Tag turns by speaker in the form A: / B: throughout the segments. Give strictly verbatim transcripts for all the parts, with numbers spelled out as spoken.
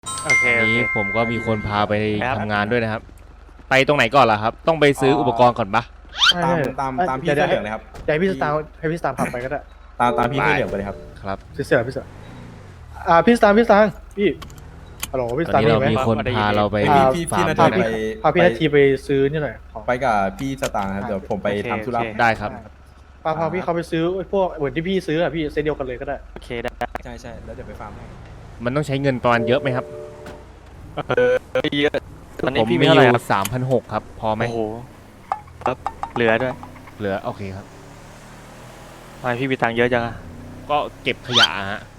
A: โอเค
B: อัน
A: โอ
B: นี้
A: เค
B: ผมก็มีคนพาไป
A: ครับ
B: ทำงานด้วยนะครับ ไปตรงไหนก่อนล่ะครับ ต้องไปซื้ออุปกรณ์ก่อนปะ
C: ตามตามตามพี่
D: ดี๋
C: เสื้
D: ยว
C: อเหลืองเลยครับ
D: เดี๋ยวให้พี่สตาร์ให้พี่สตาร์พาไปก็ได้
C: ตามตามพี่เสื้อเหลืองไปเลยครับ
B: ครับ
D: ซื้อเสื้อพี่สตาร์อ่าพี่สตาร์พี่สตาร์พี่ฮัลโหลพี่ส
B: ตอ
D: ตาน ร์
B: นี้
D: ได้
B: เรา
D: ไหม
B: มีคนพาเราไป
C: พี่พี่
B: ฟา
C: พี่
B: ร์ม
C: นา
B: ด้
C: ที
B: วยนะ
C: ไป
D: พาพี่นาทีไปซื้อนี่หน่อยของ
C: ไปกับพี่สตางค์ครับเดี๋ยวผมไปทำธุระ
B: ได้ครับ
D: พาพาพี่เขาไปซื้อไอ้พวกเหมือนที่พี่ซื้ออ่ะพี่เซตเดียวกันเลยก็ได้
A: โอเคได้
C: ใช่ใช่แล้วเดี๋ยวไปฟาร์มให้
B: มันต้องใช้เงินประมาณเยอะไหมครับ
A: เออเยอะตอนนี้
B: ผม
A: พี่มี
B: มี
A: เท่า
B: อ
A: ไหร่
B: ยู่
A: ครับ
B: สามพันหกครับ พอไหม
A: โอ้โหครับเหลือด้วย
B: เหลือโอเคครับ
A: ทำไมพี่มีตังค์เยอะจังอะ
B: ก็เก็บขยะฮะ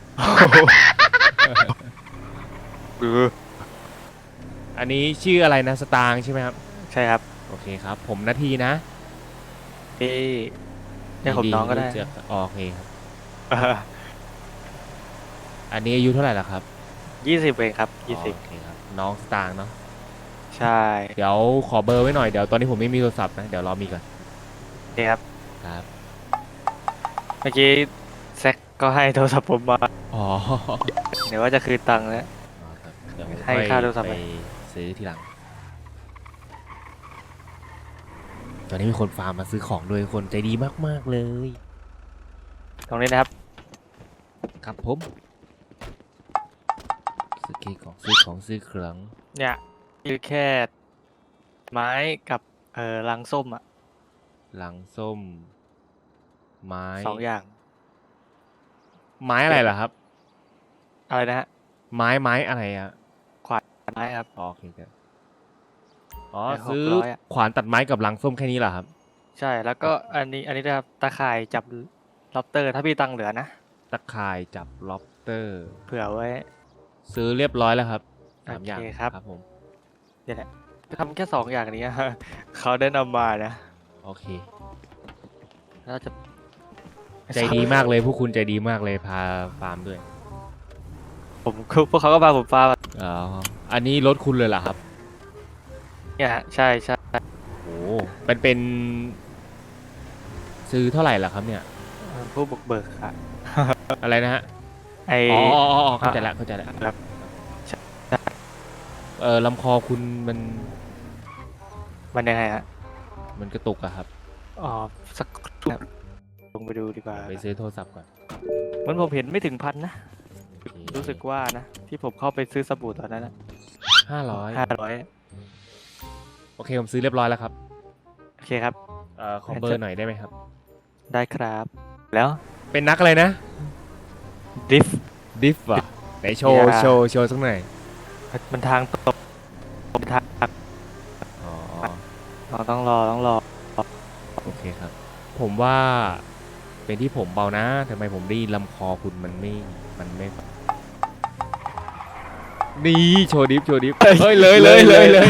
A: เออ
B: อันนี้ชื่ออะไรนะสตางค์ใช่ไหมครับ
A: ใช่ครับ
B: โอเคครับ ผมนาทีนะ
A: พี่เรียกผมน้องก็ได้
B: รู้จัอ๋อโอเคครับ อันนี้อายุเท่าไหร่ละครับ
A: ยี่สิบเองครับยี่สิบ
B: โอเคครับ น้องสตางค์เนาะ
A: ใช่
B: เดี๋ยวขอเบอร์ไว้หน่อย เดี๋ยวตอนนี้ผมไม่มีโทรศัพท์นะ เดี๋ยวรอมีก่อน
A: นี่ครับ
B: ครับ
A: เมื่อกี้แซกก็ให้โทรศัพท์ผมมา
B: อ๋อ
A: เดี๋ยวว่าจะคืนตังค์แล้ว
B: ครับเดี๋ยว
A: ให้ค่าโทรศัพท์
B: ไปซื้อทีหลัง ตอนนี้มีคนฟาร์มมาซื้อของด้วยคนใจดีมากๆเลย
A: ตรงนี้นะครับ
B: ครับผมซื้อเค้กของซื้อของซื้อเครื่อง
A: เนี่ยคือแค่ไม้กับเอ่อลังส้มอ่ะ
B: หลังส้ม ไม้
A: สองอย่าง
B: ไม้อะไรล่ะครับ
A: อะไรนะฮะ
B: ไม้ไม้อะไรอ่ะ
A: ไม้ครับ
B: อ๋อโอเคครับอ๋อ
A: ไม้หก
B: ซื้อ
A: ร้อยอะ
B: ขวานตัดไม้กับหลังส้มแค่นี้เหรอครับ
A: ใช่แล้วก็อันนี้อันนี้นะครับตาข่ายจับล็อบเตอร์ ถ้าพี่ตังค์เหลือนะ
B: ตะข่ายจับล็อบเตอร์
A: เผื่อไว้
B: ซื้อเรียบร้อยแล้วครับสามอย่าง
A: โอเคครับ
B: ครับผม
A: เนี่ยแหละทำแค่สองอย่างนี้ เขาได้นำมานะ
B: โอเค
A: แล้วจะ
B: ใจดีมากเลยผู้คุณใจดีมากเลยพาฟาร์มด้วย
A: ผมพวกเขาก็พาผมฟาร์ม
B: อ๋ออันนี้รถคุณเลยเหรอครับ
A: เนี่ยฮะใช่ใช่
B: โอ้เป็นเป็น ซื้อเท่าไหร่ล่ะครับเนี่ย
A: ผู้บุกเบิกค่ะ
B: อะไรนะฮะ
A: ไอ
B: อ๋ออ๋ออ๋อเข้าใจแล้วเข้าใจแล้ว
A: ครับ
B: เออลำคอคุณมัน
A: มันยังไงฮะ
B: มันกระตุกอะครับ
A: อ๋อสักครู่ครับลงไปดูดีกว่า
B: ไปซื้อโทรศัพท์ก่อน
A: มันผมเห็นไม่ถึงพันนะ
B: โอเค
A: รู้สึกว่านะ ที่ผมเข้าไปซื้อสบู่ตอนนั้นนะ
B: ห้าร้อย
A: ห้าร้อย
B: โอเคผมซื้อเรียบร้อยแล้วครับ
A: โอเคครับ
B: เอ่อขอเบอร์หน่อยได้ไหมครับ
A: ได้ครับ แล้ว
B: เป็นนักอะไรนะ
A: ดริฟ
B: ดิฟอ่ะไหนโชว์
A: อย่า
B: โชว์โชว์สักหน่อย
A: มันทางตกผมทาง
B: อ๋อ
A: เราต้องรอต้องรอ
B: โอเคครับ ผมว่าเป็นที่ผมเบานะทำไมผมได้ยินลำคอคุณมันไม่มันไม่นี่โชว์ดิฟโชว์ดิฟเฮ้ยเลยเลยเลยเลย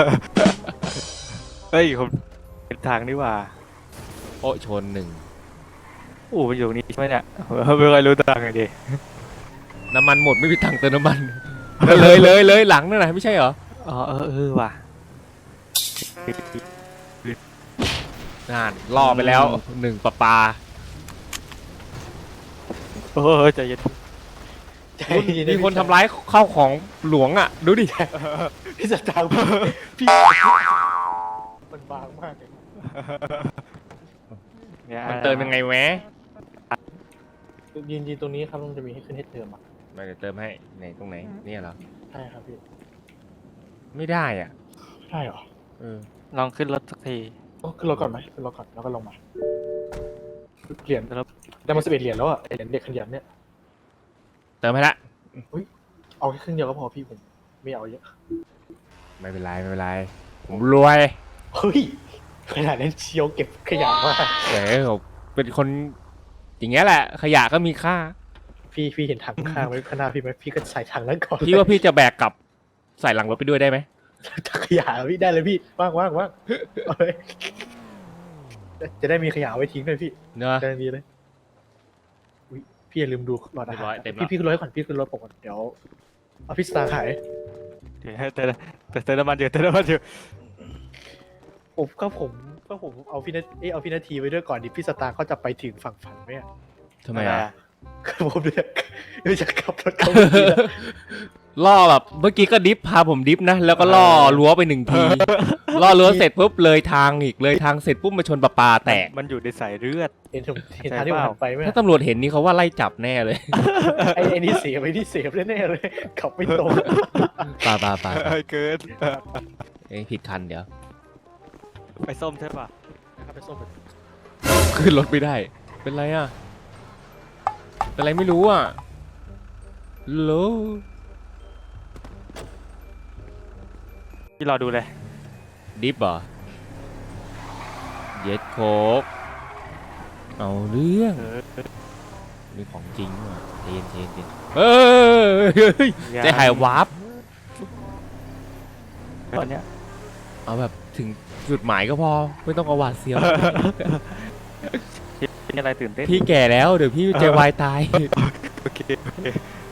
A: เฮ้ยผมเป็นทางนี่หว่า
B: โอ้ชนหนึ่ง
A: โอ้มันอยู่ตรงนี้ใช่ไหมเนี่ยไม่เคยรู้ทางเลยดิ
B: น้ำมันหมดไม่มีตังค์เติมน้ำมัน เลยเลยเลยหลังนั่นแหละไม่ใช่เหรอ
A: อ๋อเออเออว่ะ
B: นานล่อไปแล้วหนึ่งปะปา
A: โอ้ใจเย็น
B: มีคนทำร้ายข้าวของหลวงอ่ะ ดูดิ
D: พี่สตาร์พี่มันบางมากเลย
A: เนี่ย
B: มันเติมยังไงแวะ
D: ยืนยืนตรงนี้ครับมันจะมีให้ขึ้นให้เติมอ่ะ
B: มาเดี๋ยวเติมให้ไหนตรงไหนเนี่ยเหรอ
D: ใช่ครับพี่
B: ไม่ได้อ่ะ
D: ใช่เหรอ
B: เออ
A: ลองขึ้นรถสักที
D: โอ้ขึ้นรถก่อนไหมขึ้นรถก่อนแล้วก็ลงมาเหรียญได้มาสิบเอ็ดเหรียญแล้วอ่ะเหรียญเด็กขยันเนี่ย
B: เติมให้ละ
D: เอาแค่ครึ่งเดียวก็พอพี่ผมไม่เอาเยอะ
B: ไม่เป็นไรไม่เป็นไร ผมรวย
D: เฮ้ยขนาดนั้นเชียวเก็บขยะมาก
B: เออผมเป็นคนอย่างเงี้ยแหละ ขยะก็มีค่า
D: พี่พี่เห็นถังข้างไว้ข้างหน้าพี่ไหมพี่ก็ใส่ถังนั้นก่อน
B: พี่ว่าพี่จะแบกกลับใส่หลังรถไปด้วยได้ไหม
D: ถังขยะพี่ได้เลยพี่ว่างว่างว่างเอาเลยจะได้มีขยะไว้ทิ้งด้วยพี่
B: เนอะ
D: ได้ดีเลยอุ๊ยพี่อย่าลืมดูหลอดอาหาร
B: เรียบร้อยเต็มแล้ว
D: พี่พี่ขึ้นรถก่อนพี่ขึ้นรถผมก่อนเดี๋ยวเอาพี่สตาร์ขาย
A: เดี๋ยวให้เติมแต่เติมน้ำมันอยู่เติมน้ำมันอยู่
D: ผมก็ผมก็ผมเอาพี่นาเอยเอาพี่นาทีไว้ด้วยก่อนดิพี่สตาร์เขาจะไปถึงฝั่งฝันไหมอะ
B: ทำไมอ่ะ
D: คือผมเนี่ยไม่จะขับรถเข้าเมื่อกี้นะ
B: ล่อแบบเมื่อกี้ก็ดิฟพาผมดิฟนะแล้วก็ล่อรั้วไปหนึ่งทีล่อรั้วเสร็จปุ๊บเลยทางอีกเลยทางเสร็จปุ๊บมาชนปลาปลาแตก
A: มันอยู่ในสายเลือด
D: เห็นผมเห็นทางที่ผมหันไปไหม
B: ถ้าตำรวจเห็นนี่เขาว่าไล่จับแน่เลย
D: ไอ้ไอ้นี่เสียไอ้นี่เสียแน่ๆเลยขับไม่ตรง
B: ปลาปลาปลา
A: เกิน
B: เอ้ยผิดคันเดี๋ยว
A: ไปส้มใช่ป่ะ
D: นะครับไปส้มไป
B: ขึ้นรถไม่ได้ เป็นไรอ่ะเป็นไรไม่รู้อ่ะโล
A: ที่รอดูเลย
B: ดิฟเหรอเย็ดโคกเอาเรื่อง
A: เออ
B: นี่ของจริงว่ะเทนเทนเทนเอ้ยใจหายวาร์ป
A: ตอนเนี้ย
B: เอาแบบถึงจุดหมายก็พอไม่ต้องเอาหวาดเสียว
A: คิดเป็นอะไรตื่นเต้น
B: พี่แก่แล้วเดี๋ยวพี่ใจวายตาย
A: โอเคโอเค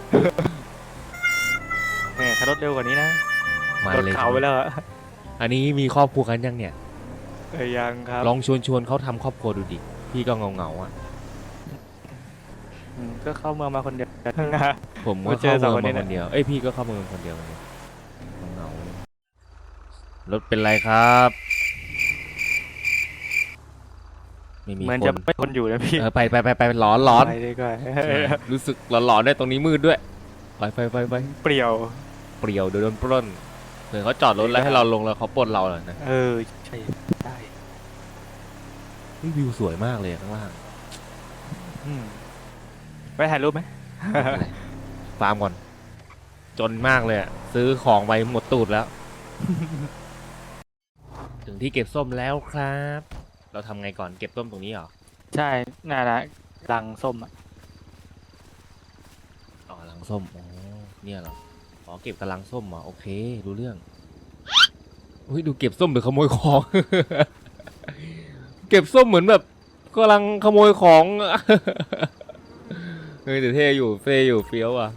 A: แหม่ถ้ารถเร็วกว่านี้นะ
B: มาร
A: ถ
B: เลย
A: เขาไปแล้วอะ
B: อันนี้มีครอบครัวกันยังเนี่ย
A: เอ้ยยังครับ
B: ลองชวนชวนเขาทำครอบครัวดูดิพี่ก็เงาเงาๆอ่ะ
A: อืมก็เข้าเมืองมาคนเดียว
B: ผมก็
A: มาเจ
B: เข้า
A: อสอง
B: เมือง
A: คนนี้
B: มา
A: นะ
B: คนเดียวเอ้ยพี่ก็เข้าเมืองคนเดียวเหมือนกันเงาๆรถเป็นไรครับไม่มี
A: เหมือน
B: ค
A: จะ
B: น
A: ไม่คนอยู่นะพี่
B: เออไปไปไปไปร้อนร้อน
A: ไปดีกว่า
B: รู้สึกร้อนๆด้วยตรงนี้มืดด้วยไปไปไปไป
A: เปรี้ยว
B: เปรียวเดี๋ยวโดนปล้นเหมือนเขาจอดรถแล้วให้เราลงแล้วเขาปล้นเราเลยนะ
A: เออใช่ได้
B: นี่วิวสวยมากเลยข้างล่าง
A: อืมไปถ่ายรูปไหม
B: ไม่เป็นไรฟาร์มก่อน จนมากเลยอะซื้อของไปหมดตูดแล้ว ถึงที่เก็บส้มแล้วครับ เราทำไงก่อนเก็บส้มตรงนี้เหรอ
A: ใช่น่านะรังส้มอ่ะ
B: อ๋อลังส้มอ๋อเนี่ยเหรออ๋อเก็บกำลังส้มเหรอโอเครู้เรื่องอุ้ยดูเก็บส้มหรือขโมยของ เก็บส้มเหมือนแบบกำลังขโมยของ เฮ้ยแต่เท่อยู่เฟ่อยู่เฟี้ยวอ่ะ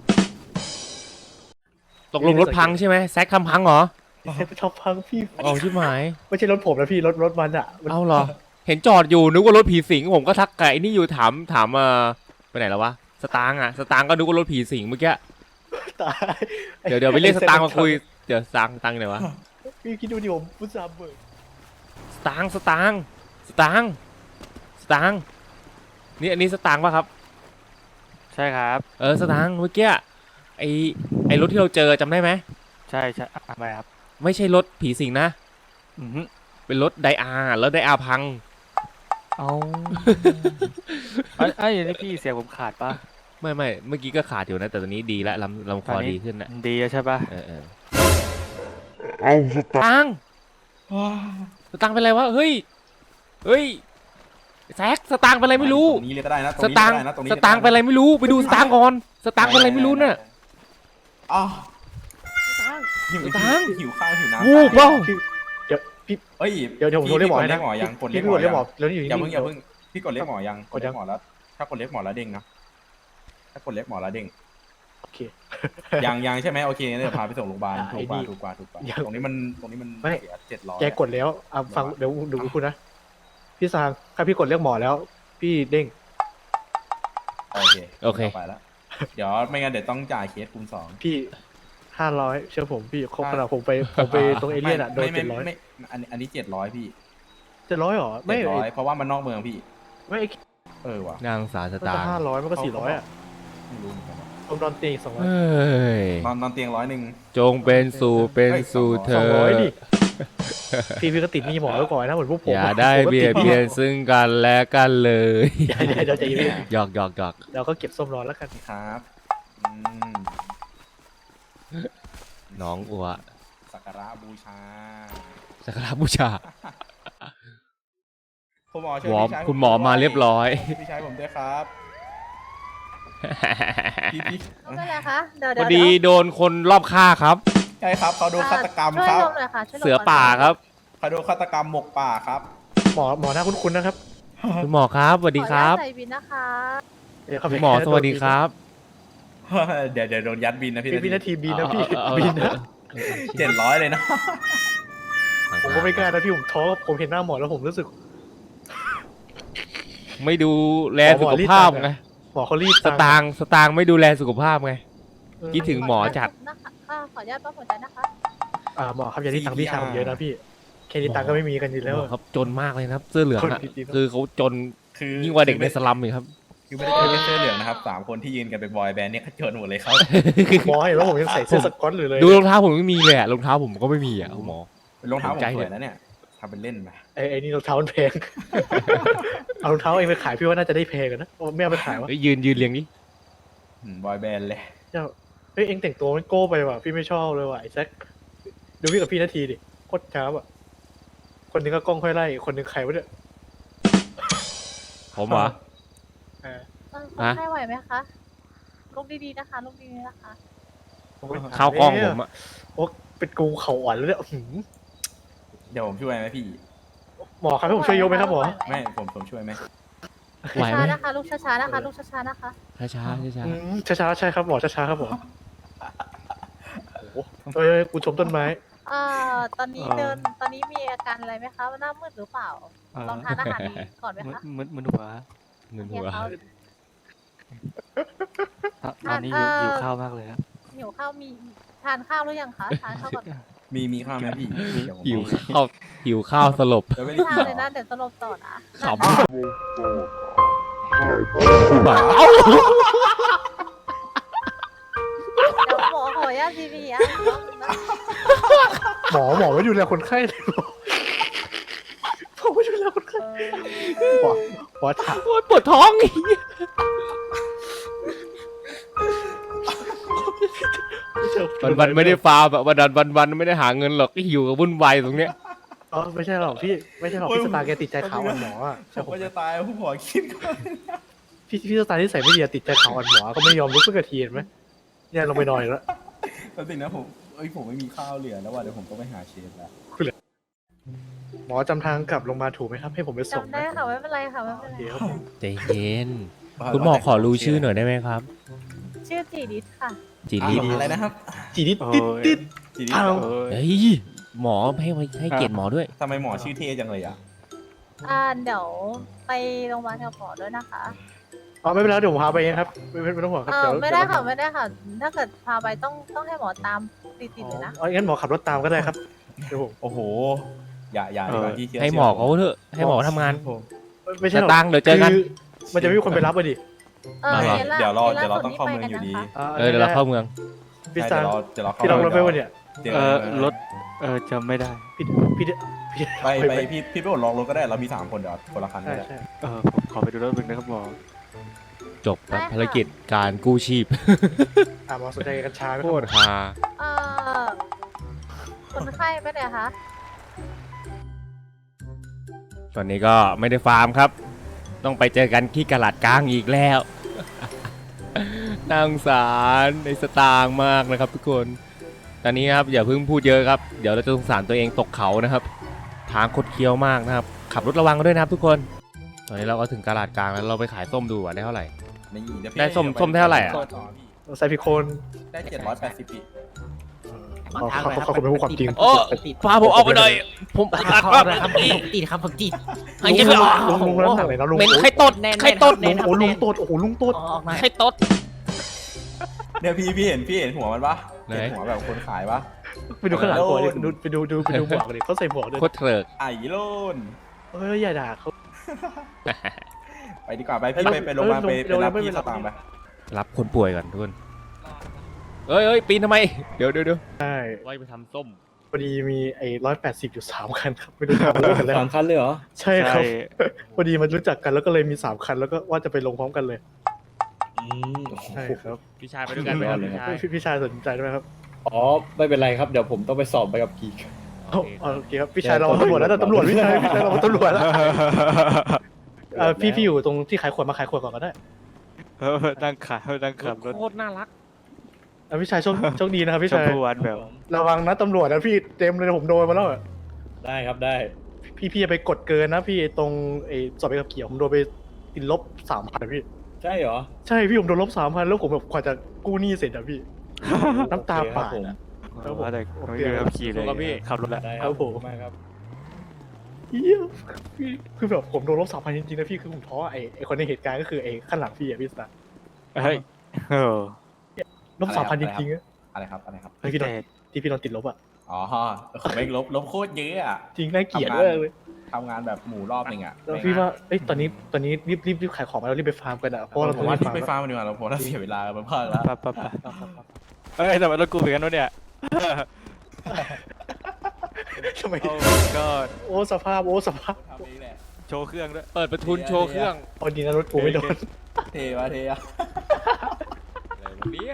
B: ตกลงรถพังใช่ไหมแซกทำพังเหรอ
D: เซ็ตชอบพังพี่
B: เอาชิบหาย
D: ไม่ใช่รถผมนะพี่รถรถมันอ่ะมัน
B: เอาเหรอ เห็นจอดอยู่นึกว่ารถผีสิงผมก็ทักไก่นี่อยู่ถามถามเอ่อไปไหนแล้ววะสตางค์อ่ะสตางค์ก็นึกว่ารถผีสิงเมื่อกี้
D: ตาย
B: เดี๋ยวเดี๋ยวไปเรียกสตางค์มาคุยเดี๋ยวสตางค์สตางค์ไหนวะ
D: พี่คิดดูดิผมพุทธาเบิก
B: สตางค์สตางค์สตางค์สตางค์นี่อันนี้สตางค์ป่ะครับ
A: ใช่ครับ
B: เออสตางค์เมื่อกี้ไอไอรถที่เราเจอจำได้ไหม
A: ใช่ใช่อ่ะทำไมครับ
B: ไม่ใช่รถผีสิงนะ
A: อือหือ
B: เป็นรถไดอาร์แล้วไดอาร์พัง
A: เอาไอ้ไอ้ยนี่พี่เสียงผมขาดปะ
B: ไม่ไม่เมื่อกี้ก็ขาดอยู่นะแต่ตอนนี้ดีแล้วลำลำคอดีขึ้นนะ
A: ดีแล้วใช่ปะ
B: เออเออเอาสตางค์สตางค์เป็นไรวะเฮ้ยเฮ้ยแซกสตางค์เป็นไรไม่รู้
C: ตรงนี้เลยก็ได้นะ
B: สตางค์สตางค์เป็นอะไรไม่รู้ไปดูสตางค์ก่อนสตางค์เป็นอะไรไม่รู้น่ะ
C: อ๋อ
B: หิ
C: หิ
B: ว
C: ว
B: ตังค์
C: หิวข้าวหิวน้ำ
B: วูบเปล่า
D: พี่เดี๋ยวพี่
C: เอ้ย
D: เดี๋ยวเดี๋ยวผมโทรเรียกหมอให้
C: เรีย
D: นะ
C: กหมอยังกด
D: พี่
C: เรียก
D: พี่
C: หม
D: ก
C: อ
D: ดเรียกหมอแล้วนี่อยู่
C: อย่า
D: นี่
C: เพิ่งอย่าเพิ่งพี่กดเรียกหมอยังก
D: ก
C: ด
D: ดยั
C: เรีย
D: ง
C: กหมอแล้ว ถ้ากดเรียกหมอแล้วเด้งนะถ้ากดเรียกหมอแล้วเด้ง
D: โอเค
C: ยังยังใช่ไหมโอเคงั้นเดี๋ยวพาไปส่งโรงพยาบาล
D: อ่ะ
C: ถูกกว่า
D: ไอ้นี่
C: ถูกกว่าถูกกว่า
D: ยัง
C: ตรงนี้มันตรงนี้มัน
D: ไม่
C: เสียเจ็ดร้อย
D: แกกดแล้วอ่ะฟังเดี๋ยวดูคุณนะ พี่ซางถ้าพี่กดเรียกหมอแล้ว พี่เด้ง
C: โอเค
B: โอเค
C: ไปแล้วเดี๋ยวไม่งั้นเดี๋ยวต้องจ่ายเคสคูณสอง
D: พี่ห้าร้อยเชื่อผมพี่ครบขนาดผมไปผมไปตรงเอเลี่ยนอ่ะโดน
C: ไม่
D: เจ็ดร้อย
C: ไม่ไม่อันนี้อันนี้เจ็ดร้อยพี่
D: เจ็ดร้อยหรอไม่
C: เจ็ดร้อยเพราะว่ามันนอกเมืองพี่
D: ไม่
C: เออว่ะ
B: นางสาวส
D: มัน
B: ตา
D: ก็
B: งค์
D: ห้าร้อยมันก็สี่ร้อยอ่ะ
C: ไม่รู้เหมือนกันว่ะ
D: ผมนอนเตียงสองร้อย
B: เฮ้ย
C: นอนนอนเตียงร้อยหนึ่ง
B: จงเป็นสู่เป็นสู่เธ
D: สอง
B: อ
D: ร้อยดิพี่พี่ก็ติดหนี่หมอไว้ก่อนนะเหมือนพวกผม
B: อย่าได้
D: ผมก็
B: เบียด
D: ติห
B: เบียนซึ่งกันและกันเลย
D: อย่าอย่าอย่าใจเย็น
B: หยอกหยอกหยอก
D: เราก็เก็บส้มรอแล้วกัน
C: ครับอืม
B: น้องอัว
C: สักการะบูชา
B: สักการะบูชา
C: คุณหมอช่วย
B: หมอ
C: พี่ชายผ
B: คุณหมอมาเรียบร้อย
C: พี่ชายผมด้วยครับพี่พี่
E: ไม่เป็นไรคะเดี๋ยว
B: พ
E: เดี๋
B: อ
E: ยว
B: ดีโดนคนรอบฆ่าครับ
C: ใช่ครับเขาโดนฆาตกรรม
E: ช่วย
C: ครับ
E: ลงหน่อยค่ะช่วยลง
B: เสือป่าครับ
C: เขาโดนฆาตกรรมหมกป่าครับ
D: หมอหมอหน้าคุ้นๆนะครับ
B: คุณหมอครับสวัสดีครับ
E: ขออนุญาตใส่บินนะคะ
D: เดี๋ยวเข้าไป
B: คุณหมอสวัสดีครับ
C: เดี๋ยวเดี๋ยวโดนยัดบินนะพี่
D: พี่พี่นาทีบินนะพี่
B: เอาเอา
D: บินนะ
C: เจ็ดร้อยเลยนะ
D: ผมก็ไม่กล้านะพี่ผมท้อผมเห็นหน้าหมอแล้วผมรู้สึก
B: ไม่ดูแลสุขภาพไง
D: หมอเขารีบ
B: สตางค์สตางค์ไม่ดูแลสุขภาพไงคิดถึงหมอจัด
E: นะคะอ่าขออนุญาตปั๊มหัวใจนะคะ
D: อ่าหมอครับอย่าที่ตังค์พี่ชายผมเยอะนะพี่แค่นี้ตังค์ก็ไม่มีกันอยู่แล้ว
B: หมอครับจนมากเลยนะครับ เสื้อเหลือง
D: คน
B: อะ
D: จริงๆ
B: คือเขาจน
C: คือ
B: ยิ่งกว่าเด็กในสลัมอีกครับ
C: คือไม่ได้แค่เสื้อเหลืองนะครับสามคนที่ยืนกันเป็นบอยแบนด์เนี่ยเขาเจอหมดเลยครับ
D: หมอเห็นว่าผมยังใส่เสื้อสก๊อตอยู่เลย
B: ดูรองเท้าผมไม่มีเลยอะรองเท้าผมก็ไม่มีอะคุณหมอ
C: เป็นรองเท้าผม
B: ใจ
C: ส
B: เนี่
C: วย ยนะเนี่ยทำเป็นเล่นไป
D: ไอ้ไอ้นี่รองเท้ามันแพง เอารองเท้าเองไปขายพี่ว่าน่าจะได้แพงกันนะโอ้ไม่เอาไปขายวะ
B: เอ้ยยืนยืนเรียงนี้
C: อืมบอยแบนด์เลย
D: เจ้าเฮ้ยเองแต่งตัวมันโก้ไปว่ะพี่ไม่ชอบเลยว่ะไอ้แซคดูพี่กับพี่นาทีดิโคตรช้าอ่ะคนหนึงก็กล้องค่อยไล่อีกคนหนึงใครวะเนี่ย
B: ผมเหรอ
D: เออ
E: เออ
B: ฮะ
E: คนไข้ไหวไหมคะลุกดีๆนะคะลุกดีๆนะคะ
D: โอ้ย
B: เข้ากล้องผมอะ
D: โอ้เป็นกูเข่าอ่อนแล้วเนี่ยอื้อหือ
C: เดี๋ยวผมช่วยไหมพี่
D: หมอครับให้ผมช่วยยกไหมครับหมอ
C: ไม่ผมผมช่วยไหม
B: ไหวไหม
E: ช้าๆนะคะลุกช้าๆนะคะลุกช้าๆนะคะ
B: ช้าช้าช้าช้า
D: อืมช้าๆใช่ครับหมอช้าๆครับหมอโอ้โหเอ้ยกูชมต้นไม้
E: เอ่อตอนนี้เดินตอนนี้มีอาการอะไรไหมคะหน้ามืดหรือเปล่า
A: เอ่อ
E: ลองทานอาหารดีก่อนไหม
A: มึน
E: คะ
A: มึนมึนหัว
B: เงิน
E: เฮี
B: หั
E: ยว เขา
A: ตอนตอนนี้หิว
E: เอ่อ
A: หิวข้าวมากเลยครับ
E: หิวข้าวมีทานข้าวหรือยังคะทานข้าวก่อน
C: มีมีข้าวไหมพี่เดี๋ยวผม
B: หิวข้าวหิวข้าวสลบ
C: เดี๋ยวไม่
E: ไม่
C: ได้
E: ทาน
C: กิน
E: เลย
C: หร
E: นะ
C: อ
E: เดี๋ยวสลบต่อนะ
B: ขำ
E: เดี๋ยวหมอขออนุญาตซีพีอ่ะ
D: หมอหมอไม่ดูแลคนไข้เลยหมอหมอไม่ดูแลคนไข้หมอหมอถาม
B: โอ๊ยปวดท้องอีก วันวันๆไม่ได้ฟาร์มแบบวันวันวันวันๆไม่ได้หาเงินหรอกก็หิวกับวุ่นวายตรงเนี้ย
D: อ๋อไม่ใช่หรอกพี่ไม่ใช่หรอกพี่สตาร์แกติดใจขาวอ่อนหมออ่ะ
C: ผ
D: ใช่
C: ม
D: ผม
C: ก็จะตายผู้หัวคิดก่อน
D: พี่พี่สตาร์ที่ใส่ไม่ดีอะติดใจขาวอ่อนหมอก็ไม่ยอมลุกขึ้นกระเทียนไหมเนี่ยลงไปนอนอีกแล้ว
C: แป๊บนึงนะผมเอ้ยผมไม่มีข้าวเหลือแล้วว่ะเดี๋ยวผมก็ไปหาเชฟแล้ว
D: หมอจำทางกลับลงมาถูกไหมครับ ให้ผมไปส่ง
E: จำได้ค่ะไม่เป็นไรค่ะไม่เป็น
D: โอ
E: ไร
D: เคครับผม
B: ใจเย็น คุณหมอขอรู้ชื่อหน่อยได้ไหมครับ
E: ชื่อจีดิสค่ะ
B: จี
C: อ่ะ
B: รี
C: อะไรนะครับ
D: จีนิดติดติด
C: จีดี
D: อ้าว
A: เอ้ย
B: เฮ้ยหมอให้ไว้ให้เกียรติหมอด้วย
C: ทำไมหมอชื่อเท่จังเลยอ่ะ
E: อ่าเดี๋ยวไปโรงพยาบาลกับหมอด้วยนะคะ
D: อ๋อไม่เป็นไรเดี๋ยวผมพาไปเองครับไม่ไม่ไม่ต้องห่วงครับ
E: เอ
D: เดี๋
E: อ
D: ยว
E: ไม่ได้ค่ะ
D: เยว
E: ไม่ได้ค่ะ ถ้าเกิดพาไปต้องต้องให้หมอตามติดๆเลยนะ
D: อ๋องั้นหมอขับรถตามก็ได้ครับเดี๋ยวผม
C: โอ้โห อย่าอย่าดีกว่าที่เชื่อ
B: ให้หมอเขาเถอะให้หมอทำงาน
D: ผมไม่ใช่
B: จะ
D: หรอก
B: ตังค์เดี๋ยวเจอกัน
D: คืมันจะไม่มีคนไปรับเลยดิ
E: เออ
B: มาเหรอ
E: คสล่า
C: เดี๋ยวรอ
E: คส
C: เดี๋ยวเรา
E: ล่
C: ต้องเข้า
E: สุ
C: เมือง
E: นี่
C: อยู่ดี
E: ไปกันนะคะ
B: เออเดี๋ยวเราเข้าเมือง
D: พี่
C: ใช่
D: ซา
C: เดี๋ยวเราเดี๋ยวเราเข้า
D: พี่ลองรถไปวะเนี่ย
C: ดี๋ยว
A: เออรถเออจำไม่ได้
D: พี่พี่พี่
C: ไปไปพี่พี่ไปอดลองรถก็ได้เรามีสามคนเดี๋ยวคนละคัน
D: ใช่
C: ก็ได้
D: ใช่
A: เออผมขอไปดูรถมึงนะครับหมอ
B: จบครับภารกิจการกู้ชีพ
D: อ่ะหมอสนใจกัญชาไหมค
B: โครับ ตรฮา
E: เออคนไข้ไปไหนคะ
B: ตอนนี้ก็ไม่ได้ฟาร์มครับ ต้องไปเจอกันที่กะลาดกลางอีกแล้ว น่าสงสารในสตางค์มากนะครับทุกคน ตอนนี้ครับอย่าเพิ่งพูดเยอะครับ เดี๋ยวเราจะสงสารตัวเองตกเขานะครับ ทางคดเคี้ยวมากนะครับ ขับรถระวังกันด้วยนะครับทุกคน ตอนนี้เราก็ถึงกะลาดกลางแล้วเราไปขายส้มดูว่าได้เท่าไหร่
C: นี่เยวพี่
B: ได้ส้ม
C: ดี๋ยวป
B: ส้มเท่าไหร่อะ
C: ต่อพี่
D: ใส่พิโคน
C: ได้เจ็ดร้อยแปดสิบปี
D: ขอขอขอขอบคุณเป็นผู้ความจริง
B: โอ้พาผมออกไปหน่อย ผมอัดมาก
F: ครับผมติดครับผมติด
B: หายใจไม่ออก
D: ลุงลุงลุงน้ำหนักไหนนะลุง
B: เหม็นไข่ตดไข่ตด
D: ลุงโอ้ลุงโตดโอ้โหลุงโตด
F: ออกมา
B: ไข่ตด
C: เนี่ยพี่พี่เห็นพี่เห็นหัวมันปะ
B: ไหน
C: เห็นหัวแบบคนขายปะ
D: ไปดูข้างหลังก่อนดิ
C: โดน
D: ไปดูไปดูไปดูหมวกดิเขาใส่หมวกด้วย
B: โคตรเถิก
C: ไอ้โลน
D: เอ้ยอย่าด่าเขา
C: ไปดีกว่าไปพี่
D: เอ้
C: ไป
D: ย
C: ไปโรงพยาบาล
D: เอ้
C: ไป
D: ย
C: ไปรับ
D: ไม่
C: พี่
D: เป็น
C: ส
D: ไร
C: ตางค์ไป
B: รับคนป่วยก่อนทุกคนเอ้ยเอ้ยปีนทำไม เดี๋ยวเดี๋ยวเดี๋ยว
D: ใช่
B: ไว้ไปทำส้ม
D: พอดีมีไอ้ร้อยแปดสิบอยู่สามคันครับไม่รู้ทำเรื่องกันแล้ว
G: สามคันเลยเหรอ
D: ใช่ครับพอดีมันรู้จักกันแล้วก็เลยมีสามคันแล้วก็ว่าจะไปลงพร้อมกันเลย
G: อืมโอ้โห
D: ใช่ครับ
B: พี่ชายไปด้วยกันไหมครับ
G: เลย
B: พี่ชาย
D: พี่พี่ชายสนใจด้วยไหมครับ
G: อ๋อ ไม่เป็นไรครับ เดี๋ยวผมต้องไปสอบไปกับขี่
D: เอาเอาโอเคครับพี่ชายเราตำรวจแล้วนะตำรวจพี่ชายพี่ชายเราตำรวจแล้วเออพี่พี่อยู่ตรงที่ขายขวดมาขายขวดก่อนก็ได้
A: เออนั่งขานั่งขับรถ
B: โคตรน่ารัก
D: เอาพี่ชายโชคโชคดีนะครับพี่
A: ชม
D: ชาย
A: พูวันแบบ
D: ระวังนะตำรวจนะพี่เต็มเลยนะผมโดนมาแล้วอะ
G: ได้ครับได้
D: พี่พี่จะไปกดเกินนะพี่ตรงไอ้สอบไปกับเกี่ยวผมโดนไปติดลบสามพันพี่
G: ใช่เหรอ
D: ใช่พี่ผมโดนลบสามพันแล้วผมแบบกว่าจะกู้หนี้เสร็จอะพี่ น้ำตา
G: โอเคครั
D: ป่า
G: บผม
D: อะ ครับผม
A: ว่าแต่ไม่มีขับขี่เลย
B: ครับพี่
A: ขับรถแหละ
G: ได้
D: ครับผม
G: ขอณมากครับ
D: เหี้ยพี่คือแบบผมโดนลบสามพันจริงๆนะพี่คือผมท้อไอ้ไอ้คนในเหตุการณ์ก็คือไอ้ข้างหลังพี่อะพี่สตาร์
A: เฮ้ยเออ
D: โดลบสามพันจริงๆอะ
C: อะไรครับอะไรครับ
D: เฮ้ยพี่โดนที่พี่โดนติดลบอ่ะ
C: อ๋อผมไม่ลบลบโคตรเยอะอ่ะ
D: จริงน่าเกลียดมากเลย
C: ทำงานแบบหมู่รอบหนึ่งอ่ะ
D: แล้วพี่ว่าเอ้ยตอนนี้ตอนนี้รีบรีบรีบขายของมาแล้วรีบไปฟาร์มกันอ่ะเพราะว่าเรา
C: ผ
D: ต้อ
C: ม
D: ง
C: ว่า
D: รีบ
C: ที่
D: ฟาร์ม
C: ไป
D: แล้ว
C: ฟาร์มดีกว่าเราผมว่าเสียเวลาไปมากแล้ว
A: ปะปะปะเอ้ยแต่ว่ารถกูเหมือนกันวะเนี่ย
D: ทำไม
A: โอ้ก็
D: โอ้สภาพโอ้สภาพ
C: ทำเองแหละ
A: โชว์เครื่องด้วย
B: เปิดประทุนโชว์เครื่อง
D: พอดีนะรถกูไม่โดน
C: เทวะเทอะ
B: อะไรวะเนี่ย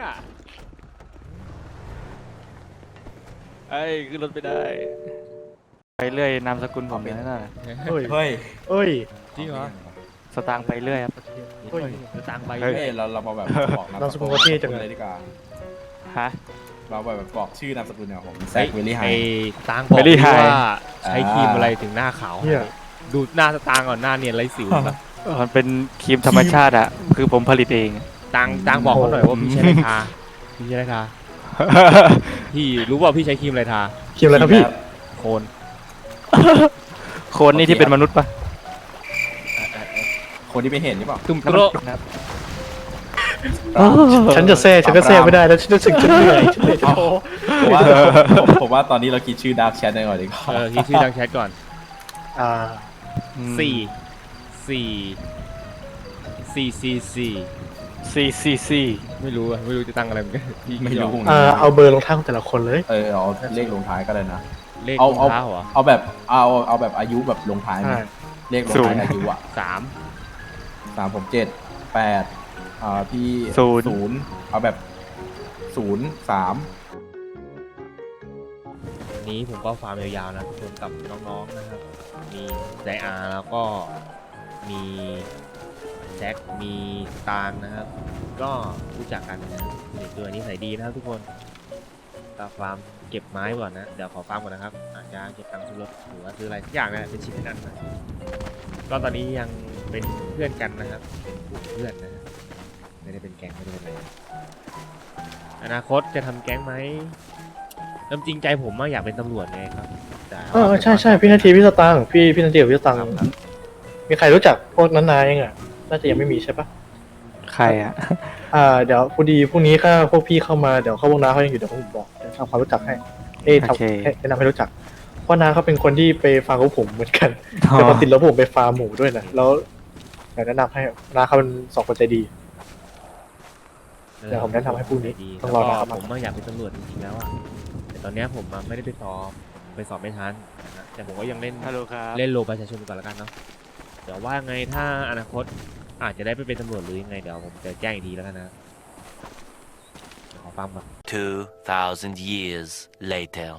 A: เอ้ยขึ้นรถไปได้ ไปเรื่อยนามสกุลผมเนี่ยน่ะ
D: เฮ้ย
C: เฮ้ย
D: เอ้ย
B: จริงเหรอ
A: สตางค์ไปเรื่อยครับ
D: เฮ้ย
B: จะตังไป
A: เฮ้ย
C: เฮ้ยเราเรามาแบบบอก
D: นามสกุลเขาเท่จังเลย
C: เลยดีกว่า
A: ฮะ
C: เราแบบบอกชื่อนามสกุลเนี่ยผมแซกเวลี่ไฮ
B: ไอ้ตังบอก
A: Very
B: ที่
A: high
B: ว่าใช้ครีมอะไรถึงหน้าขาว
D: เนี่ย
B: ดูหน้าสตางค์ก่อนหน้าเนียนไรสิวปะ
A: มันเป็นครีมธรรมชาติอะคือผมผลิตเอง
B: ตังตังบอกเขาหน่อยว่าพี่ใช้อะไรทาพี่ใช้อะไรทาพี่รู้ว่าพี่ใช้ครีมอะไรทา
D: เขียนอะไรครับพี่
B: โคน
A: โคนนี่ที่เป็นมนุษย์ปะ
C: คนที่ไม่เห็นหรือเปล่า
B: ตุ้ม
A: แล้ว
B: โก
A: มัน
B: ร
A: นะครับ
D: ฉันจะแซ่ฉันก็แซ่ไม่ได้แล้วฉันรู้สึกฉันเหนื่อยฉันเหนื่อยจะโท
C: ผมว่าผมผมว่าตอนนี้เราคิดชื่อดาร์กแชทได้ก่อนดีกว่า
B: เออคิดชื่อดังแชทก่อน
D: อ่า
A: อืม
B: สี่สี่สี่สี่สี่
A: ซีซีซี
B: ไม่รู้อะไม่รู้จะตั้งอะไรเหมือนกันพี่
C: ไม่รู้
D: อ่าเอาเบอร์รองเท้าของแต่ละคนเลย
C: เออเอาเลขลงท้ายก็ได้นะ
B: เลข
C: เอา
B: รอง
C: เอา
B: เท้าเหรอ
C: เอาแบบเอาเอาแบบอายุแบบลงท้ายไหม
D: ใช่
C: เลขลงท้ายอายุอ่ะ
B: สาม
C: สามผมเจ็ดแปดอ่าพี่
A: ศูนย์
C: ศูนย์เอาแบบศูนย์สาม
B: วันนี้ผมก็ฟาร์มยาวๆนะทุกคนกับน้องๆนะครับ มีไดอาร์แล้วก็มีแจ็คมีตาลนะครับ ก็รู้จักกันนะครับนี่ตัวนี้ใส่ดีนะครับทุกคนก็ฟาร์มเก็บไม้ก่อนนะ เดี๋ยวขอฟาร์มก่อนนะครับ อาจจะเก็บตังค์ซื้อรถหรือว่าซื้ออะไรทุกอย่างนะเป็นชิ้นเป็นอันนะก็ตอนนี้ยังเป็นเพื่อนกันนะครับ เป็นกลุ่มเพื่อนนะฮะไม่ได้เป็นแก๊งไม่ได้เป็นอะไรอนาคตจะทำแก๊งไหมน้ำจริงใจผมอะอยากเป็นตำรวจไงครับแต่
D: เออใช่ใช่พี่นาทีพี่สตางค์พี่พี่นาทีกับพี่สตางค์มีใครรู้จักพวกนั้นนายยังอ่ะน่าจะยังไม่มีใช่ปะ
A: ใครอะ
D: อ่าเดี๋ยวพอดีพรุ่งนี้ถ้าพวกพี่เข้ามาเดี๋ยวเข้าวงน้าเขายังอยู่เดี๋ยวผมบอกเดี๋ยวทำความรู้จักให้เอ้ย
A: โอเค
D: ทำให้แนะนำให้รู้จักเพราะน้าเขาเป็นคนที่ไปฟาร์มกับผมเหมือนกันแต่พอติดแล้วผมไปฟาร์มหมูด้วยนะแล้วอยากแนะนำให้น้าเขาเป็นสองคนใจดี เดี๋ยวผมแนะนำให้พรุ่งนี้
B: ดี
D: ต้องรอ
B: แล้ว
D: นะครั
B: ก็
D: บ
B: ผมอะอยากเป็นตำรวจจริงๆแล้วอะแต่ตอนเนี้ยผมอะไม่ได้ไปสอบไปสอบไม่ทันนะฮะแต่ผมก็ยังเล่น
A: ฮัลโหลครับ
B: เล่นโลประชาชนก่อนแล้วกันเนาะเดี๋ยวว่าไงถ้าอนาคตอาจจะได้ไปเป็นตำรวจหรือยังไงเดี๋ยวผมจะแจ้งอีกทีแล้วกันนะเดี๋ยวขอฟังก่อน
F: Two thousand years later.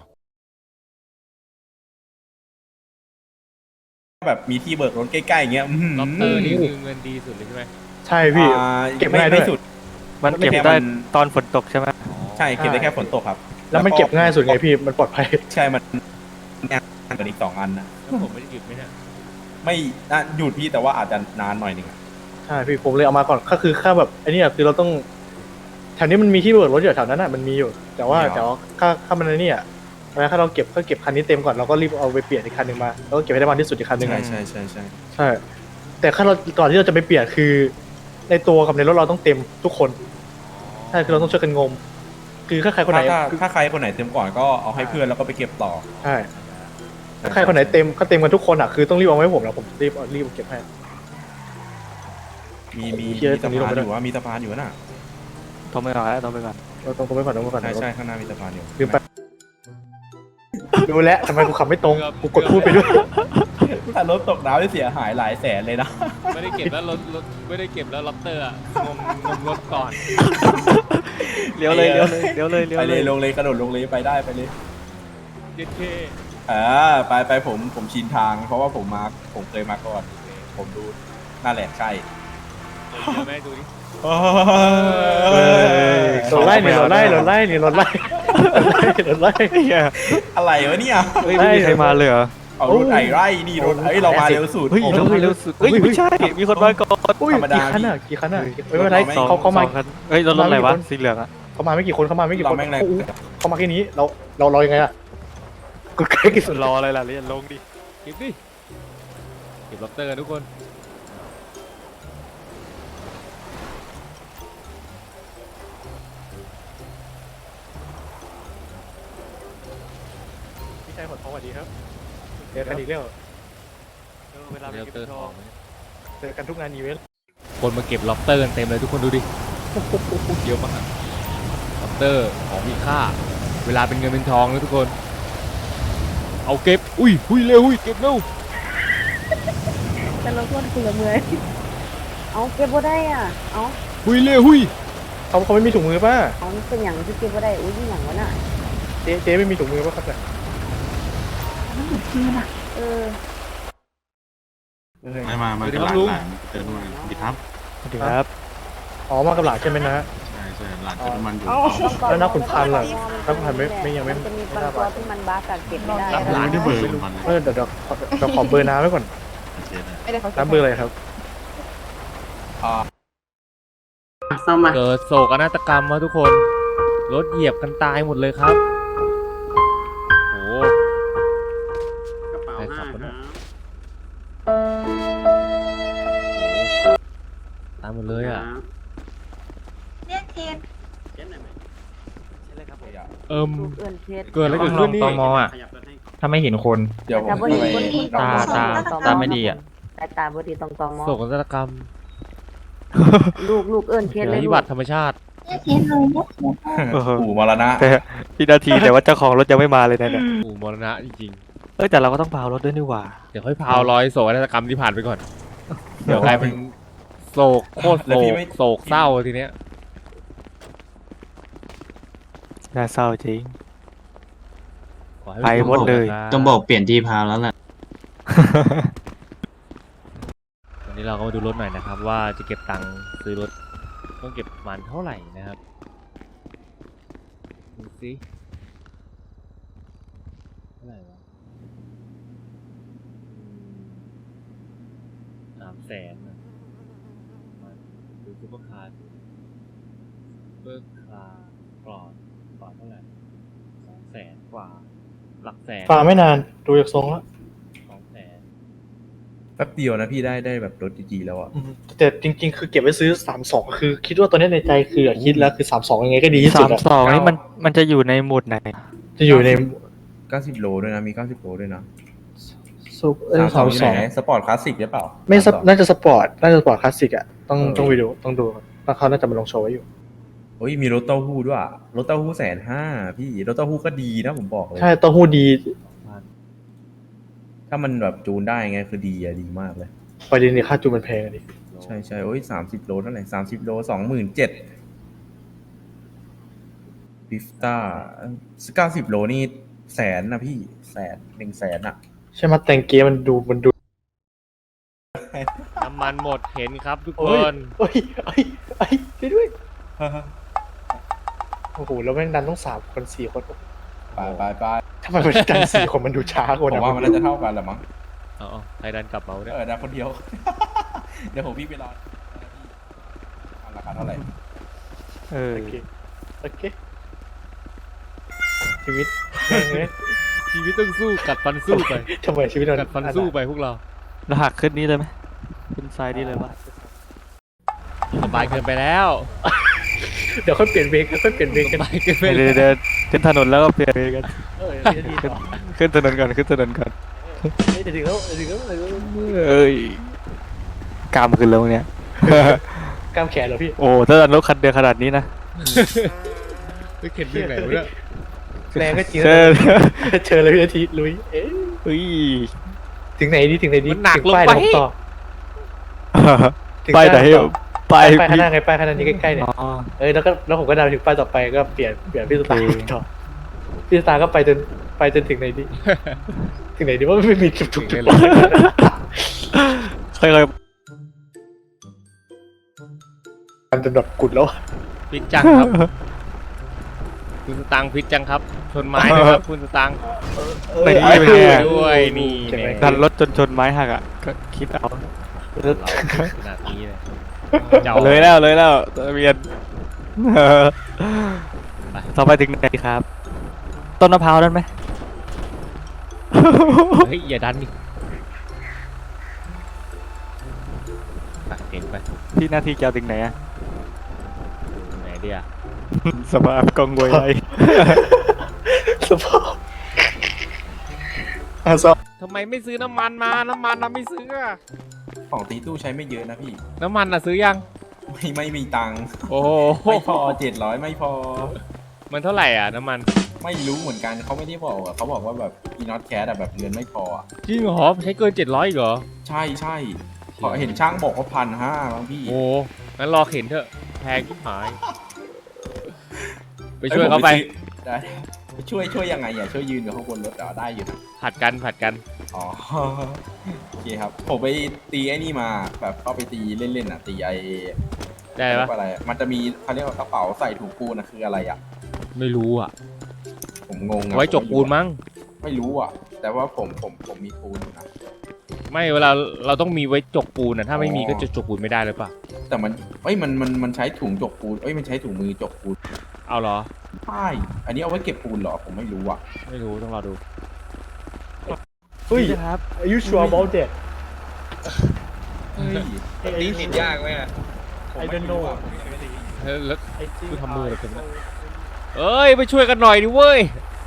C: แบบมีที่เบิกรถใกล้ๆอย่างเงี้ย
B: ล็อบเตอร์นี่คือเงินดีสุดเลยใช่ไหม
D: ใช่พี่
C: อ่า
D: เก็บ
C: ไม่
D: ง่ายด้วย
C: ไม่สุด
A: มันเก็บ
C: ไม่
A: ได้
C: มัน
A: ตอนฝนตกใช่ไหม
C: ใช่เก็บได้แค่ฝนตกครับ
D: แล้วมันเก็บง่ายสุดไงพี่มันปลอดภัย
C: ใช่มันงานกันอีกสองอันนะ
B: แล้วผมไม่ได้หยุดไหมเนี่ย
C: ไม่น่าหยุดพี่แต่ว่าอาจจะนานหน่อยหนึงอะ
D: ใช่พี่ผมเลยเอามาก่อนก็คือค่าแบบไอ้นี่อะคือเราต้องแถวนี้มันมีที่เบิกรถอยู่แถวนั้นอ่ะมันมีอยู่ แต่ว่าแต่ว่าค่าค่ามันไอ้นี่อ่ะถ้าเราเก็บก็เก็บคันนี้เต็มก่อนเราก็รีบเอาไปเปลี่ยนอีกคันหนึ่งมาแล้วก็เก็บให้ได้มากที่สุดอีกคันหนึ่ง
C: ใช่
D: อะ
C: ใช่ใช่ใช่
D: ใช่ แต่ถ้าเราก่อนที่เราจะไปเปลี่ยนคือ ในตัวกับในรถเราต้องเต็มทุกคนใช่คือเราต้องช่วยกันงม คือถ้าใครคนไหน
C: ถ้าถ้าถ้าใครคนไหนเต็มก่อนก็เอาให้เพื่อนแล้วก็ไปเก็บต่อ
D: ใช่ถ้าใครคนไหนเต็มก็เต็มกันทุกคนอ่ะคือต้องรีบเอาไว้ให้ผมแล้วผมรีบเอารีบเอาเก็บให้
C: มีมี
D: เชี่ย
C: มี
D: ตร
C: สะ
D: งนี้ลง
C: พาน
D: ไป
C: อ
D: ด้วย
C: ยู่ว่ามีสะพานอยู่น่ะ
A: โทรไปก่อนแล้วโทรไปก่อน
D: เราต้องต้องไปก่อนต้องไปก่อน
C: ใช่ใช่ข้างหน้ามีสะพานอยู่
D: ลืมไปดูแล้วทำไมกูขับไม่ตรงกูกดพูดไปด้วย
C: ถ้ารถตกน้ำได้เสียหายหลายแสนเลยนะ
B: ไม่ได้เก็บแล้วรถรถไม่ได้เก็บแล้วล็อบเตอร์อะงมงมรถก่อน
A: เลี้ยวเลยเลี้ยวเลยเลี้ยวเลยเลี้ยว
C: ไป
A: เล
C: เลย ยลงเลยกระโดดลงเลยไปได้ไปเลย
B: เย็ดเค
C: อ่าไปไปผมผมชินทาง เพราะว่าผมมาผมเคยมาก่อน ผมดูนั่นแหละใช่
B: เดี๋ยวแม่ดูดิ
D: รถไล่เนี่ยรถไล่รถไล่เนี่ยรถไล่รถไล่
A: เหี้ย
C: อะไรวะเนี่ย
A: เฮ้ยไม่มีใครมาเลยเหรอ
C: เอารถไอ้ไร่นี่รถไอ้ยเรามาเร็วสุด
A: เฮ้ยเราเร็วสุดเฮ้ยไม่ใช่มีคนมาก่อน
D: อุ้ย
C: ธรรมดา
D: กี่คันอ่ะกี่คันอ่ะไม่เป็นไรเขาเขามา
A: สองคันเฮ้ยรถรถอะไรวะสีเหลืองอะ
D: เขามาไม่กี่คนเขามาไม่กี่
C: เรา
D: คน
C: แม่งแรง
D: โอ้โหเขามาแค่นี้เราเราเรายังไงอ่ะกูใกล้ที่สุด
A: รออะไรล่ะเรียนลงดิ
B: เก็บดิเก็บล็อบเตอร์กันทุกคน
D: พี่ชายขอโทษสวัสดีครับเจอกันอีกแล้ว
A: เออเวลาไป
B: เดี๋ยว
A: เก็บ
B: เตอร์
A: ท
B: ข
A: อ
B: อง ง
D: เจอกันทุกงานอีเวนต์
B: คนมาเก็บล็อบสเตอร์กันเต็มเลยทุกคนดูดิโอ้โหเยอะมากล็อบสเตอร์ของมีค่า เวลาเป็นเงินเป็นทองนะทุกคน เอาเก็บ อุ้ยอุ้ยเร็วอุ้ยเก็บเร็ว
H: แต่เราคนคุณละเมื่อยเอาเก็บบ่ได้อ่ะ เอา
B: อุ้ยเร็วอุ้ย
D: เขาเขาไม่มีถุงมือป่ะ
H: เอามันเป็นอย่างที่เก็บบ่ได้ อุ้ยนี่อย่างวะน่ะ
D: เจ๊เจ๊ไม่มีถุงมือป่ะครับเนี่ย
H: เออ
I: ไม่มา มา
B: สวัสดี
I: กับ
B: ค
I: ห
B: รับ
I: ลาน
B: ลุง
I: หลานเติมน้ำมันดีครับ
A: สวัสดีครับ
D: อ๋อมากับหลานใช่ไหมนะ
I: ใช่ใช่หลานเติมน้ำมันอยู่
H: เอา
D: แล้วนักขุนพันธุ์ล่ะนักขุนพันธุ์ไม่ไม่ยังไม่
H: มันจะมีบางตัวที่มันบาสกัดเก็บไม่ได้
I: หลานได้เบอร์มันเลย
D: เออเดี๋ยวเดี๋ยวขอเดี๋ยวขอเบอร์น้ำไว้ก่อน
I: โอเคนะ
H: ไม่ได้เขา
D: น้ำเบอร์อะไรครับ
C: อ่า
B: เกิดโศกนาฏกรรมมาทุกคน รถเหยียบกันตายหมดเลยครับ โอ้โหใครขับวะเนี่ยโอ้โหตายหมดเลยอ่ะ
E: เรียกเคน
B: เอิม
H: ลูกเอื้อนเพชร
B: เกิดอะไรเกิดขึ้นนี่
J: ตมอ่ะ ถ้าไม่เห็นคน
C: เดี๋ยวผม
H: แต่บ่เห็นคนที่
J: ตาตาตาไม่ดีอะ
H: แต่ตาบ่ดีต้องตอมอ
B: โศกนาฏกรรม
H: ลูกลูกเอื้อนเพชร
B: ภั
H: เลย
B: ย
H: ลู
B: พิบั
H: ก
B: ติธรรมชาติ
A: เออ
C: ปู่มรณะ
A: แต่พี่นาทีแต่ว่าเจ้าของรถยังไม่มาเลยนะเนี่ย
B: อู่มรณะจริง
A: เอ้ยแต่เราก็ต้องพาวรถด้วยนี่หว่า
B: ๆ เดี๋ยวค่อยพาวร้อยโศกนาฏกรรมที่ผ่านไปก่อน เดี๋ยวกลายเป็นโศกโคตรโศกโศกเศร้าทีเนี้ย
A: น่าเศร้าจริง
B: ขอให้
A: ไปหมดเลย
J: ต้องบอกเปลี่ยนที่พาวแล้วแหละ
B: วันนี้เราก็มาดูรถหน่อยนะครับ ว่าจะเก็บตังค์ซื้อรถต้องเก็บประมาณเท่าไหร่นะครับดูสิเท่าไหร่วะสามแสนนะมาดูซุปเปอร์คาร์ซุปเปอร์คาร์ปลอดปลอดเท่าไหร่สองแสนกว่า หลักแสน
D: ฝ่าไม่นานดูจากทรงแล้ว
B: สองแสน
C: แป๊บเดียวนะพี่ได้ได้แบบรถดีๆแล้วอ่ะ
D: อืมแต่จริง ๆ คือเก็บไว้ซื้อสามสองคือ คิดว่าตอนนี้ในใจคืออะคิดแล้วคือสามสองยังไงก็ดีที่สุ
A: สา
D: ด
A: ม
D: อะ
A: สองนี่มันมันจะอยู่ในหมุดไหน
D: จะอยู่ใน
C: เก้าสิบโลด้วยนะ มีเก้าสิบโลด้วยนะ
D: ซุปเออ
C: สามส
D: สา
C: อง
D: ม
C: อยู่
D: ส
C: ไห
D: อง
C: นสปอร์ตคลาสสิกหรือเปล่า
D: ไม่ซับ
C: สามสอง
D: น่าจะสปอร์ตน่าจะสปอร์ตคลาสสิกอะต้อง
C: เออ
D: ต้องไปดูต้องดูแล้วเขาน่าจะมาลงโชว์ไว้อยู่
C: โอ้ยมีรถเต้าหู้ด้วยอะรถเต้าหู้แสนห้าพี่รถเต้าหู้ก็ดีนะผมบอกเลย
D: ใช่เต้าหู้ดี
C: ถ้ามันแบบจูนได้ไงคือดีอะดีมากเลย
D: ประเด็นเนี่ยค่าจูนมันแพงอะดิ
C: ใช่ใช่โอ้ยสามสิบโลเท่าไหร่สามสิบโลสองหมื่นเจ็ดบิฟต้าเก้าสิบโลนี่แสนนะพี่แสนหนึ่งแสนอะ
D: ใช่ไหมแต่งเกียร์มันดูมันดู
B: น้ำมันหมดเห็นครับทุกค
D: โอ้ย
B: น
D: โอ้ยโอ้ยโอ้ยช่วยด้วยโอ้โหแล้วแม่งดันต้องสามคนสี่คน
C: ไปไปไป
D: ทำไมมันดันสี่คนมันดูช้ากว่า
C: ผม
D: นะ
C: ว่ามันน่าจะเท่ากันแหละมั้ง
B: เอาเอาใครดันกลับมาเนี่ย
C: เออนะคนเดียว เดี๋ยวผมพี่ไปรออันราคาเท่าไหร่
A: เออ
D: โอเคโอเคชีวิตแม่งเลย
B: ชีวิตต้องสู้กัดฟันสู้ไป
D: ทำไมชีวิตเรา
B: กัดฟันสู้ไปพวกเรา
A: เราหักขึ้นนี้เลยไหมขึ้นซ้ายนี้เลยปะ
B: สบายเกินไปแล้ว
D: เดี๋ยวค่อยเปลี่ยนเวรกันค่อยเปลี่ยนเวร
B: ส
D: กัน
B: บายเกินไป
A: เดี๋ยว
B: แล้ว
A: เดี๋ยวขึ้นถนนแล้วก็เปลี่ยนไปกัน
D: เออเดี๋ยวดีต่อ
A: ขึ้นถนนก่อนขึ้นถนนก่อน
D: เฮ้ยเดี๋ยวถึงแล้วเดี๋ยวถึงแล้วเดี๋ยวถึงแล้ว
A: เอ้ยกล้ามขึ้นแล้วเนี่ย
D: กล้ามแขนเหรอพี่
A: โอ้ถ้าดันรถคันเดียวขนาดนี้นะ
B: ไม่เข็นเรื่องไหนวะเนี่ย
D: แรงก็จริง
A: เชิญ
D: เชิญเลยพี่นาทีลุยเอ๊ะ
A: เฮ้ย
D: ถึงไหนดีถึงไหนดี
B: มันหนัก
D: ถึ
B: ลง
D: ป้าย
B: ไป
D: เดี๋ยวผมต่อถึง
A: ไปไหน
D: ต่อ
A: ไป
D: ป้ายข้างหน้าไงป้ายข้างหน้านี้ใกล้ๆเนี่ย
A: อ๋อ
D: เอ้ยแล้วก็แล้วผมก็เดาถึงป้ายต่อไปก็เปลี่ยนเปลี่ยนพี่สตาร์
A: โอเค
D: ต่อพี่สตาร์ก็ไปจนไปจนถึงไหนดี ถึงไหนดีว่าไม่มีจุดจุด
B: ถึ
D: จุ
B: ง
D: ด
B: เลยเหรอ
A: ค่อย
D: มันจะแบบกุดแล้วอะ
B: พิษจังครับ คุณสตังค์พิษจังครับ ชนไม้ด้วยครับคุณสตังค์
A: ๆไม่
D: เอ
A: ไม่
D: อ
A: ไม่
B: ด้
A: แน่
B: วยนี่
D: ใช่ไหม
B: เนี่ย
A: ดันรถจนชนไม้หักอ่ะก็คิดเอา
B: เราขนาดนี้เลยจะอา
A: เลยแล้วเลยแล้วทะเบียนเออต่อไปถึงไหนครับ ต้นมะพร้าวนั่นไหม
B: เฮ้ยอย่าดันดิไปเก่งไป
A: ที่หน้าที่เจ้าถึงไหนอะ
B: ไหนเดีย
A: สภาพกองวยไร
D: สภาพอ่ะซอ
B: ทำไมไม่ซื้อน้ำมันมาน้ำมันเราไม่ซื้ออะ
C: ของตีตู้ใช้ไม่เยอะนะพี่
B: น้ำมันอะซื้อยัง
C: ไม่ไม่มีตังค์
B: โอ้โห
C: ไม่พอเจ็ดร้อยไม่พอ
B: มันเท่าไหร่อ่ะน้ำมัน
C: ไม่รู้เหมือนกันเขาไม่ได้บอกอะเขาบอกว่าแบบอีน็อตแคสอะแบบเงินไม่พออะ
B: จริงเหรอใช้เกินเจ็ดร้อยเหรอ
C: ใช่ใช่ขอเห็นช่างบอกว่าพันห้าบางพี่
B: โอ้งั้นรอเข็นเถอะแพงที่หาย ไปช่วยเขาไป
C: อ้ยผมซื้อได้ไปช่วยช่วยยังไงอ่ะช่วยยืนกับเขาบนรถเหรอได้อยู่นะ
B: ผัดกันผัดกัน
C: อ๋อ โอเคครับ ผมไปตีไอ้นี่มาแบบเข้าไปตีเล่นๆอ่ะตีไอ้
B: ได้
C: เรีย
B: ปะ
C: กว่าอะไรมันจะมีเขาเรียกว่ากระเป๋าใส่ถุงปูนนะคืออะไรอ่ะ
B: ไม่รู้อ่ะ
C: ผมงงอะ
B: ไว้จกปูนมั้ง
C: ไม่รู้อ่ะ แต่ว่าผมผมผมมีปูนอยู่นะ
B: ไม่เวลาเราต้องมีไว้จกปูนนะถ้าไม่มี
C: อ๋อ
B: ก็จะจกปูนไม่ได้เลยปะ
C: แต่มันเอ้ยมันมันมันใช้ถุงจกปูนเอ้ยมันใช้ถุงมือจกปูน
B: เอาเหรอ
C: ใช่อันนี้เอาไว้เก็บปูนเหรอผมไม่รู้อ่ะ
B: ไม่รู้ต้องรอดู
D: เฮ้ย
A: ครับ
D: Are you sure about that
C: เฮ้ย
D: ตีติดยากไหม I don't know
B: เฮ้ยแล้ว
D: I think
B: กูทำมืออะไรกันนะ เอ้ยไปช่วยกันหน่อยดิเว้ย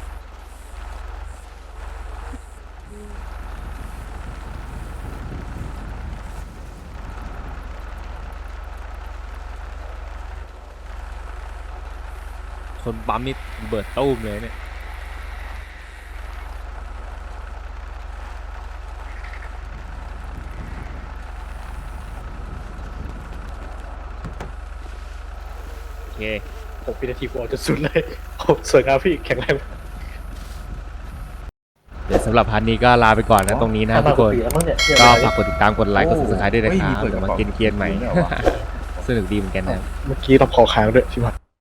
B: คนปั๊มนี่เบิดตู้มเลยเนี่ยโอเค
D: หกวินาทีกูออกจนสุดเลยโอ้สวยงามพี่แข็งแรง
B: เดี๋ยวสำหรับพาร์ทนี้ก็ลาไปก่อนนะตรงนี้นะทุกคน ก็ฝากกดติดตามกดไลค์กด ซับสไครบ์ด้วยนะครับเดี๋ยวมาเกรียนๆใหม่ สนุกดีเหมือนกันนะ
D: เมื่อกี้เราพอค้างด้วยใช่ไหม